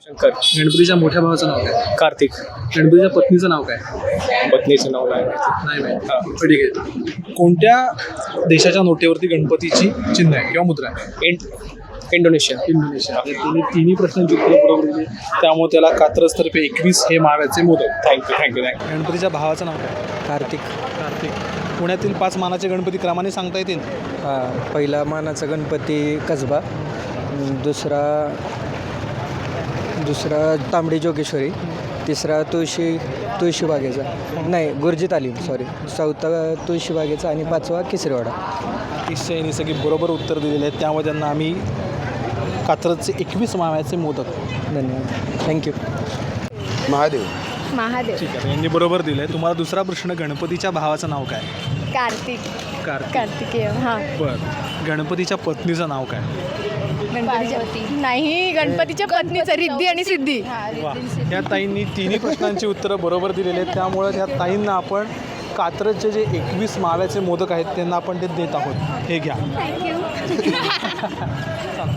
शंकर. गणपतीच्या मोठ्या भावाचं नाव काय? कार्तिक. गणपतीच्या पत्नीचं नाव काय? पत्नीचं नाव नाही माहिती. नाही माहिती. ठीक आहे. कोणत्या देशाच्या नोटेवरती गणपतीची चिन्ह आहे किंवा मुद्रा आहे? इंडोनेशिया. इंडोनेशिया. तिन्ही प्रश्नांची उत्तरं बरोबर दिली, त्यामुळे त्याला कात्रजतर्फे 21 हे माव्याचे मोदक. थँक्यू. गणपतीच्या भावाचं नाव काय? कार्तिक. कार्तिक. पुण्यातील 5 मानाचे गणपती क्रमाने सांगता येतील? पहिला मानाचा गणपती कसबा, दुसरा तांबडी जोगेश्वरी, तिसरा तुळशीबागेचा नाही गुरुजी तालीम सॉरी, चौथा तुळशीबागेचा आणि 5वा केसरीवाडा. अतिशय यांनी सगळी बरोबर उत्तर दिलेले आहेत, त्यामुळे त्यांना आम्ही कात्रजचे 21 माव्याचे मोदक. धन्यवाद. थँक्यू. महादेव. ठीक आहे, यांनी बरोबर दिलं आहे. तुम्हाला दुसरा प्रश्न, गणपतीच्या भावाचं नाव काय? कार्तिक. कार्तिकेय. हां. बरं. गणपतीच्या पत्नीचं नाव काय? नाही, गणपतीच्या पत्नीचं रिद्धी आणि सिद्धी. वा, या ताईंनी तिन्ही प्रश्नांची उत्तरं बरोबर दिलेली आहेत, त्यामुळे त्या ताईंना आपण कात्रजचे जे 21 माव्याचे मोदक आहेत त्यांना आपण ते देत आहोत. हे घ्या. थँक्यू.